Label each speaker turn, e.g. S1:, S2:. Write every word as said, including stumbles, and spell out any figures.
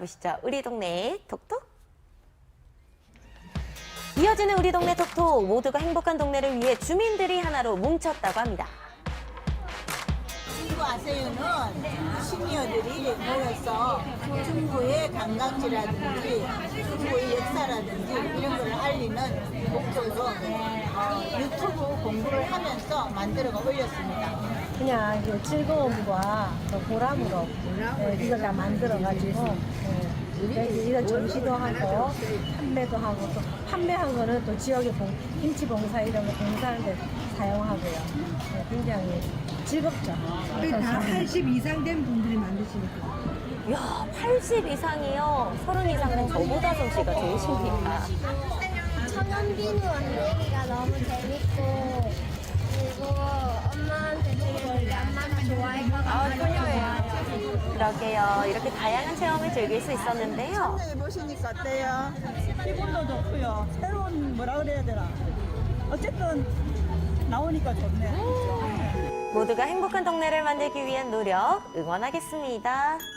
S1: 만나보시죠. 우리 동네 톡톡. 이어지는 우리 동네 톡톡. 모두가 행복한 동네를 위해 주민들이 하나로 뭉쳤다고 합니다.
S2: 친구 아세요는 시니어들이 모여서 중구의 관광지라든지 중구의 역사라든지 이런 걸 알리는 목적으로 어, 유튜브 공부를 하면서 만들어가 올렸습니다.
S3: 그냥 그 즐거움과 또 보람으로 네, 이걸 다 만들어가지고 네, 이런 전시도 하고 판매도 하고 또 판매한 거는 또 지역의 봉, 김치 봉사 이런 거 봉사하는 데 사용하고요. 네, 굉장히 즐겁죠.
S4: 다 팔십 이상 된 분들이 만드시니까.
S1: 이야, 팔십 이상이요. 서른 이상 된 저보다 솜씨가 좋으십니다.
S5: 천연비누 만들기가 너무 재밌고 그리고 엄마한테 되게 엄마가 좋아할 것 같아요.
S1: 그러게요. 이렇게 다양한 체험을 즐길 수 있었는데요.
S6: 참여해 보시니까 어때요? 기분도 좋고요. 새로운 뭐라 그래야 되나? 어쨌든 나오니까 좋네.
S1: 모두가 행복한 동네를 만들기 위한 노력 응원하겠습니다.